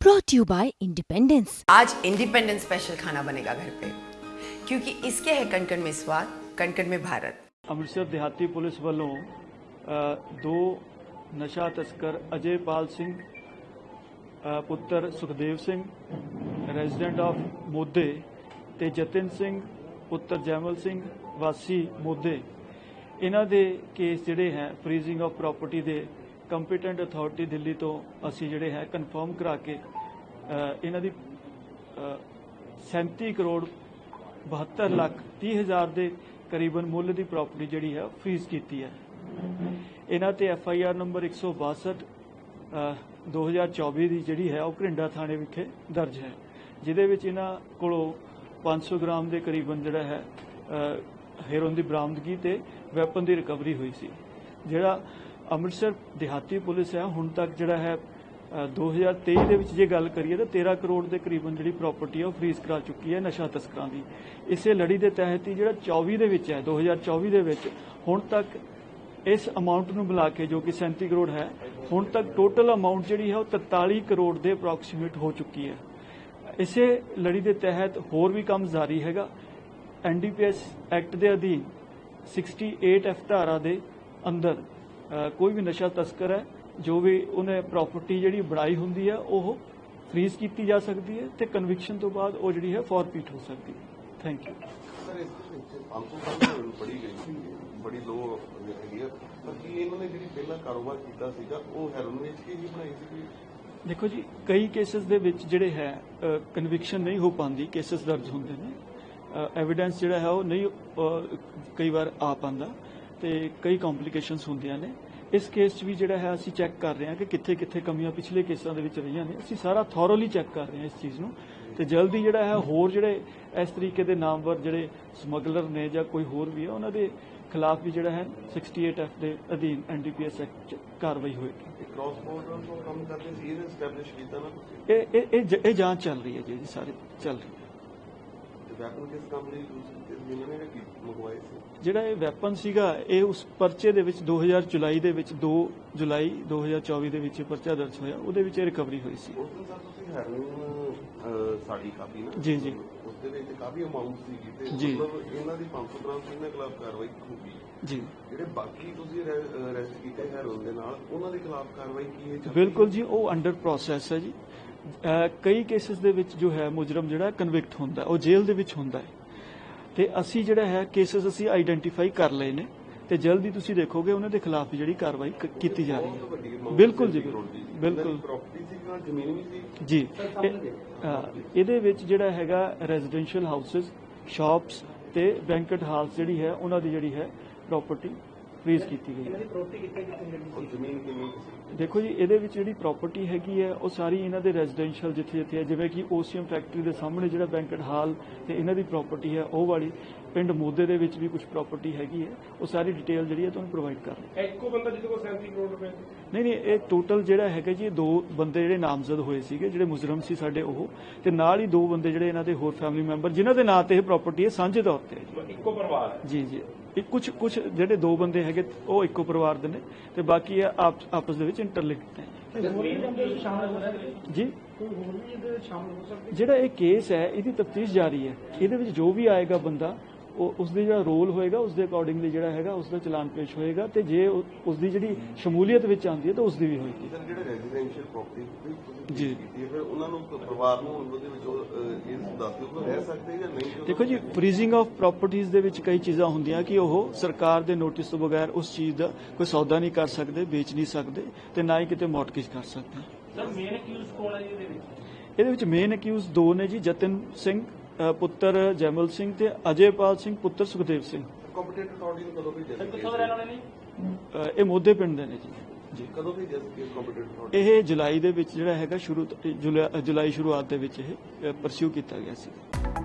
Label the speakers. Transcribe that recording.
Speaker 1: brought to you by Independence।
Speaker 2: आज independence special खाना बनेगा घर पे, क्योंकि इसके है कण-कण में स्वाद, कण-कण में भारत।
Speaker 3: ਅੰਮ੍ਰਿਤਸਰ ਦਿਹਾਤੀ ਪੁਲਿਸ ਵੱਲੋਂ ਦੋ ਨਸ਼ਾ ਤਸਕਰ ਅਜੇਪਾਲ ਸਿੰਘ ਪੁੱਤਰ ਸੁਖਦੇਵ ਸਿੰਘ ਰੈਜ਼ੀਡੈਂਟ ਆਫ ਮੋਦੇ ਤੇ ਜਤਿਨ ਸਿੰਘ ਪੁੱਤਰ ਜੈਮਲ ਸਿੰਘ ਵਾਸੀ ਮੋਦੇ, ਇਹਨਾਂ ਦੇ ਕੇਸ ਜਿਹੜੇ ਹੈ ਫਰੀਜ਼ਿੰਗ ਆਫ ਪ੍ਰਾਪਰਟੀ ਦੇ ਕੰਪੀਟੈਂਟ ਅਥਾਰਟੀ ਦਿੱਲੀ ਤੋਂ ਅਸੀਂ ਜਿਹੜੇ ਹੈ ਕਨਫਰਮ ਕਰਾ ਕੇ ਇਹਨਾਂ ਦੀ 37 ਕਰੋੜ 72 ਲੱਖ 30 ਹਜ਼ਾਰ ਦੇ ਕਰੀਬਨ ਮੁੱਲ ਦੀ ਪ੍ਰਾਪਰਟੀ ਜਿਹੜੀ ਹੈ ਫਰੀਜ਼ ਕੀਤੀ ਹੈ। ਇਹਨਾਂ ਤੇ FIR ਨੰਬਰ 162 2024 ਦੀ ਜਿਹੜੀ ਹੈ ਉਹ ਘਰਿੰਡਾ ਥਾਣੇ ਵਿਖੇ ਦਰਜ ਹੈ, ਜਿਹਦੇ ਵਿੱਚ ਇਹਨਾਂ ਕੋਲੋਂ 500 ਗ੍ਰਾਮ ਦੇ ਕਰੀਬਨ ਜਿਹੜਾ ਹੈ ਹੈਰੋਇਨ ਦੀ ਬਰਾਮਦਗੀ ਤੇ ਵੈਪਨ ਦੀ ਰਿਕਵਰੀ ਹੋਈ ਸੀ। ਜਿਹੜਾ ਅੰਮ੍ਰਿਤਸਰ ਦਿਹਾਤੀ ਪੁਲਿਸ ਹੈ ਹੁਣ ਤੱਕ ਜਿਹੜਾ ਹੈ 2023 ਦੇ ਵਿੱਚ ਜੇ ਗੱਲ ਕਰੀਏ ਤਾਂ 13 ਕਰੋੜ ਦੇ ਕਰੀਬਨ ਜਿਹੜੀ ਪ੍ਰਾਪਰਟੀ ਹੈ ਉਹ ਫਰੀਜ਼ ਕਰਾ ਚੁੱਕੀ ਹੈ ਨਸ਼ਾ ਤਸਕਰਾਂ ਦੀ। ਇਸੇ ਲੜੀ ਦੇ ਤਹਿਤ ਹੀ ਜਿਹੜਾ 24 ਦੇ ਵਿੱਚ ਹੈ 2024 ਦੇ ਵਿੱਚ ਹੁਣ ਤੱਕ ਇਸ ਅਮਾਉਂਟ ਨੂੰ ਮਿਲਾ ਕੇ ਜੋ ਕਿ 37 ਕਰੋੜ ਹੈ, ਹੁਣ ਤੱਕ ਟੋਟਲ ਅਮਾਉਂਟ ਜਿਹੜੀ ਹੈ ਉਹ 43 ਕਰੋੜ ਦੇ ਅਪਰੋਕਸੀਮੇਟ ਹੋ ਚੁੱਕੀ ਹੈ। ਇਸੇ ਲੜੀ ਦੇ ਤਹਿਤ ਹੋਰ ਵੀ ਕੰਮ ਜਾਰੀ ਹੈਗਾ। NDPS ਐਕਟ ਦੇ ਅਧੀਨ 68F ਧਾਰਾ ਦੇ ਅੰਦਰ ਕੋਈ ਵੀ ਨਸ਼ਾ ਤਸਕਰ ਹੈ ਜੋ ਵੀ ਉਹਨੇ ਪ੍ਰਾਪਰਟੀ ਜਿਹੜੀ ਬਣਾਈ ਹੁੰਦੀ ਹੈ ਉਹ ਫਰੀਜ਼ ਕੀਤੀ ਜਾ ਸਕਦੀ ਹੈ ਤੇ ਕਨਵਿਕਸ਼ਨ ਤੋਂ ਬਾਅਦ ਉਹ ਜਿਹੜੀ ਹੈ ਫੋਰਫੀਟ ਹੋ ਸਕਦੀ ਹੈ। Thank you.
Speaker 4: ਬੜੀ ਗਈ ਸੀ, ਬੜੀ ਲੋ ਹੈਗੀ ਆ, ਪਰ ਕੀ ਇਹਨਾਂ ਨੇ ਜਿਹੜੀ ਪਹਿਲਾਂ ਕਾਰੋਬਾਰ ਕੀਤਾ ਸੀਗਾ ਉਹ ਹੈਰੋਇਨ ਵੇਚ ਕੇ ਹੀ ਬਣਾਈ ਸੀ?
Speaker 3: ਦੇਖੋ ਜੀ, ਕਈ ਕੇਸਿਸ ਦੇ ਵਿੱਚ ਜਿਹੜੇ ਹੈ ਕਨਵਿਕਸ਼ਨ ਨਹੀਂ ਹੋ ਪਾਉਂਦੀ, ਕੇਸਿਸ ਦਰਜ ਹੁੰਦੇ ਨੇ, ਐਵੀਡੈਂਸ ਜਿਹੜਾ ਹੈ ਉਹ ਨਹੀਂ ਕਈ ਵਾਰ ਆ ਪਾਉਂਦਾ ਤੇ ਕਈ ਕੰਪਲਿਕੇਸ਼ਨਸ ਹੁੰਦੀਆਂ ਨੇ। ਇਸ ਕੇਸ 'ਚ ਵੀ ਜਿਹੜਾ ਹੈ ਅਸੀਂ ਚੈੱਕ ਕਰ ਰਹੇ ਹਾਂ ਕਿ ਕਿੱਥੇ ਕਿੱਥੇ ਕਮੀਆਂ ਪਿਛਲੇ ਕੇਸਾਂ ਦੇ ਵਿੱਚ ਰਹੀਆਂ ਨੇ। ਅਸੀਂ ਸਾਰਾ ਥੋਰੋਲੀ ਚੈੱਕ ਕਰ ਰਹੇ ਹਾਂ ਇਸ ਚੀਜ਼ ਨੂੰ ਤੇ ਜਲਦੀ ਜਿਹੜਾ ਹੈ ਹੋਰ ਜਿਹੜੇ ਇਸ ਤਰੀਕੇ ਦੇ ਨਾਮਵਰ ਜਿਹੜੇ ਸਮਗਲਰ ਨੇ ਜਾਂ ਕੋਈ ਹੋਰ ਵੀ ਹੈ ਉਹਨਾਂ ਦੇ ਖਿਲਾਫ ਵੀ ਜਿਹੜਾ ਹੈ 68F ਦੇ ਅਧੀਨ NDPS ਐਕਟ 'ਚ ਕਾਰਵਾਈ ਹੋਏਗੀ।
Speaker 4: ਕ੍ਰਾਸ ਬਾਰਡਰ ਤੋਂ ਕੰਮ ਕਰਦੇ ਸੀ, ਇਹ ਐਸਟੈਬਲਿਸ਼ ਕੀਤਾ ਨਾ
Speaker 3: ਇਹ ਜਾਂਚ ਚੱਲ ਰਹੀ ਹੈ ਜੀ, ਸਾਰੇ ਚੱਲ ਰਹੀ ਹੈ।
Speaker 4: ਤੇ ਵੈਪਨ ਕਿਸ ਕੰਮ ਲਈ ਜਿਨ੍ਹਾਂ ਨੇ ਮੰਗਵਾਏ ਸੀ?
Speaker 3: ਜਿਹੜਾ ਇਹ ਵੈਪਨ ਸੀਗਾ ਇਹ ਉਸ ਪਰਚੇ ਦੇ ਵਿੱਚ 2 ਜੁਲਾਈ ਦੇ ਵਿੱਚ 2 ਜੁਲਾਈ 2024 ਦੇ ਵਿੱਚ ਪਰਚਾ ਦਰਜ ਹੋਇਆ, ਉਹਦੇ ਵਿੱਚ ਇਹ ਰਿਕਵਰੀ ਹੋਈ ਸੀ।
Speaker 4: ਉਸ ਦਿਨ ਸਰ ਤੁਸੀਂ ਹੈਰੋਇਨ ਸਾਡੀ ਕਾਪੀ ਨਾ
Speaker 3: ਜੀ ਜੀ
Speaker 4: ਉਸ ਦੇ ਵਿੱਚ ਕਾਫੀ ਅਮਾਉਂਟ ਸੀਗੀ ਤੇ
Speaker 3: ਜੀ।
Speaker 4: ਮਤਲਬ ਇਹਨਾਂ ਦੀ 500 ਗ੍ਰਾਮ ਸੀ, ਇਹਨਾਂ ਖਿਲਾਫ ਕਾਰਵਾਈ ਹੋਊਗੀ
Speaker 3: ਜੀ।
Speaker 4: ਜਿਹੜੇ ਬਾਕੀ ਤੁਸੀਂ ਅਰੈਸਟ ਕੀਤੇ ਹੈਰੋਇਨ ਦੇ ਨਾਲ ਉਹਨਾਂ ਦੇ ਖਿਲਾਫ ਕਾਰਵਾਈ ਕੀ ਹੈ?
Speaker 3: ਬਿਲਕੁਲ ਜੀ, ਉਹ ਅੰਡਰ ਪ੍ਰੋਸੈਸ ਹੈ ਜੀ। ਕਈ ਕੇਸਿਸ ਦੇ ਵਿੱਚ ਜੋ ਹੈ ਮੁਜਰਮ ਜਿਹੜਾ ਕਨਵਿਕਟ ਹੁੰਦਾ ਉਹ ਜੇਲ੍ਹ ਦੇ ਵਿੱਚ ਹੁੰਦਾ ਹੈ ਤੇ ਅਸੀਂ ਜਿਹੜਾ ਹੈ ਕੇਸਿਸ ਅਸੀਂ ਆਈਡੈਂਟੀਫਾਈ ਕਰ ਲਏ ਨੇ ਤੇ ਜਲਦੀ ਤੁਸੀਂ ਦੇਖੋਗੇ ਉਹਨਾਂ ਦੇ ਖਿਲਾਫ ਜਿਹੜੀ ਕਾਰਵਾਈ ਕੀਤੀ ਜਾ ਰਹੀ ਹੈ। ਬਿਲਕੁਲ ਜੀ, ਬਿਲਕੁਲ
Speaker 4: ਜ਼ਮੀਨ ਵੀ ਸੀ
Speaker 3: ਜੀ। ਇਹਦੇ ਵਿੱਚ ਜਿਹੜਾ ਹੈਗਾ ਰੈਜ਼ੀਡੈਂਸ਼ੀਅਲ ਹਾਊਸਸ, ਸ਼ਾਪਸ ਤੇ ਬੈਂਕਟ ਹਾਲਸ ਜਿਹੜੀ ਹੈ ਉਹਨਾਂ ਦੀ ਜਿਹੜੀ ਹੈ ਪ੍ਰਾਪਰਟੀ ਫਰੀਜ਼ ਕੀਤੀ ਗਈ ਹੈ।
Speaker 4: ਜ਼ਮੀਨ ਕਿੰਨੀ?
Speaker 3: ਦੇਖੋ ਜੀ, ਇਹਦੇ ਵਿੱਚ ਜਿਹੜੀ ਪ੍ਰਾਪਰਟੀ ਹੈਗੀ ਹੈ ਉਹ ਸਾਰੀ ਇਹਨਾਂ ਦੇ ਰੈਜ਼ੀਡੈਂਸ਼ੀਅਲ ਜਿੱਥੇ ਹੈ, ਜਿਵੇਂ ਕਿ OCM ਫੈਕਟਰੀ ਦੇ ਸਾਹਮਣੇ ਜਿਹੜਾ ਬੈਂਕਟ ਹਾਲ ਤੇ ਇਹਨਾਂ ਦੀ ਪ੍ਰਾਪਰਟੀ ਹੈ ਉਹ ਵਾਲੀ, ਪਿੰਡ ਮੋਦੇ ਦੇ ਵਿੱਚ ਵੀ ਕੁਝ ਪ੍ਰਾਪਰਟੀ ਹੈਗੀ ਹੈ, ਉਹ ਸਾਰੀ ਡਿਟੇਲ ਜਿਹੜੀ ਹੈ ਤੁਹਾਨੂੰ ਪ੍ਰੋਵਾਈਡ ਕਰ ਰਹੇ।
Speaker 5: ਇੱਕੋ ਬੰਦਾ ਜਿਹਦੇ ਕੋਲ 37 ਕਰੋੜ ਰੁਪਏ?
Speaker 3: ਨਹੀਂ, ਇਹ ਟੋਟਲ ਜਿਹੜਾ ਹੈਗਾ ਜੀ, 2 ਬੰਦੇ ਜਿਹੜੇ ਨਾਮਜ਼ਦ ਹੋਏ ਸੀਗੇ ਜਿਹੜੇ ਮੁਜਰਮ ਸੀ ਸਾਡੇ ਉਹ, ਤੇ ਨਾਲ ਹੀ 2 ਬੰਦੇ ਜਿਹੜੇ ਇਹਨਾਂ ਦੇ ਹੋਰ ਫੈਮਿਲੀ ਮੈਂਬਰ ਜਿਨ੍ਹਾਂ ਦੇ ਨਾਂ ਤੇ ਇਹ ਪ੍ਰਾਪਰਟੀ ਹੈ ਸਾਂਝੇ ਤੌਰ ਤੇ
Speaker 5: ਇੱਕੋ ਪਰਿਵਾਰ ਹੈ?
Speaker 3: ਜੀ ਜੀ। ਇਹ ਕੁਝ ਜਿਹੜੇ 2 ਬੰਦੇ ਹੈਗੇ ਉਹ ਇੱਕੋ ਪਰਿਵਾਰ ਦੇ ਨੇ ਤੇ ਬਾਕੀ ਆਪਸ ਦੇ ਵਿੱਚ ਇੰਟਰਲਿੰਕਡ ਨੇ ਜੀ। ਜਿਹੜਾ ਇਹ ਕੇਸ ਹੈ ਇਹਦੀ ਤਫਤੀਸ਼ ਜਾਰੀ ਹੈ, ਇਹਦੇ ਵਿੱਚ ਜੋ ਵੀ ਆਏਗਾ ਬੰਦਾ ਉਹ ਉਸਦੇ ਜਿਹੜਾ ਰੋਲ ਹੋਏਗਾ ਉਸਦੇ ਅਕੋਰਡਿੰਗਲੀ ਜਿਹੜਾ ਹੈਗਾ ਉਸਦਾ ਚਲਾਨ ਪੇਸ਼ ਹੋਏਗਾ ਤੇ ਜੇ ਉਸਦੀ ਜਿਹੜੀ ਸ਼ਮੂਲੀਅਤ ਵਿੱਚ ਆਉਂਦੀ ਹੈ ਤਾਂ ਉਸਦੀ ਵੀ ਹੋਏਗੀ।
Speaker 4: ਜਿਹੜੇ ਰੈਜ਼ੀਡੈਂਸ਼ੀਅਲ ਪ੍ਰਾਪਰਟੀ
Speaker 3: ਜੀ
Speaker 4: ਫਿਰ ਉਹਨਾਂ ਨੂੰ ਪਰਿਵਾਰ ਨੂੰ ਉਹਦੇ ਵਿੱਚ ਇਹ ਦੱਸ ਦਿਓ ਕਿ ਰਹਿ ਸਕਦੇ ਜਾਂ ਨਹੀਂ?
Speaker 3: ਦੇਖੋ ਜੀ, ਫਰੀਜ਼ਿੰਗ ਆਫ ਪ੍ਰਾਪਰਟੀਜ਼ ਦੇ ਵਿੱਚ ਕਈ ਚੀਜ਼ਾਂ ਹੁੰਦੀਆਂ ਕਿ ਉਹ ਸਰਕਾਰ ਦੇ ਨੋਟਿਸ ਤੋਂ ਬਗੈਰ ਉਸ ਚੀਜ਼ ਦਾ ਕੋਈ ਸੌਦਾ ਨਹੀਂ ਕਰ ਸਕਦੇ, ਵੇਚ ਨਹੀਂ ਸਕਦੇ ਤੇ ਨਾ ਹੀ ਕਿਤੇ ਮੌਰਟਗੇਜ ਕਰ ਸਕਦੇ।
Speaker 5: ਸਰ ਮੇਨ ਅਕਿਊਜ਼ ਕੌਣ ਹੈ ਇਹਦੇ ਵਿੱਚ?
Speaker 3: ਇਹਦੇ ਵਿੱਚ ਮੇਨ ਅਕਿਊਜ਼ 2 ਨੇ ਜੀ, ਜਤਿਨ ਸਿੰਘ ਪੁੱਤਰ ਜੈਮਲ ਸਿੰਘ ਤੇ ਅਜੇਪਾਲ ਸਿੰਘ ਪੁੱਤਰ ਸੁਖਦੇਵ ਸਿੰਘ।
Speaker 4: ਕੰਪੀਟੈਂਟ ਅਥਾਰਟੀ ਨੂੰ ਕਦੋਂ ਭੇਜਿਆ?
Speaker 5: ਕਿੱਥੋਂ ਦੇ ਰਹਿਣ ਵਾਲੇ ਨੇ?
Speaker 3: ਇਹ ਮੋਦੇ ਪਿੰਡ ਦੇ ਨੇ ਜੀ।
Speaker 4: ਕਦੋਂ ਭੇਜਿਆ ਸੀ ਕੰਪੀਟੈਂਟ ਅਥਾਰਟੀ?
Speaker 3: ਇਹ ਜੁਲਾਈ ਦੇ ਵਿੱਚ ਜਿਹੜਾ ਹੈਗਾ ਜੁਲਾਈ ਸ਼ੁਰੂਆਤ ਦੇ ਵਿੱਚ ਇਹ ਪਰਸਿਊ ਕੀਤਾ ਗਿਆ ਸੀ।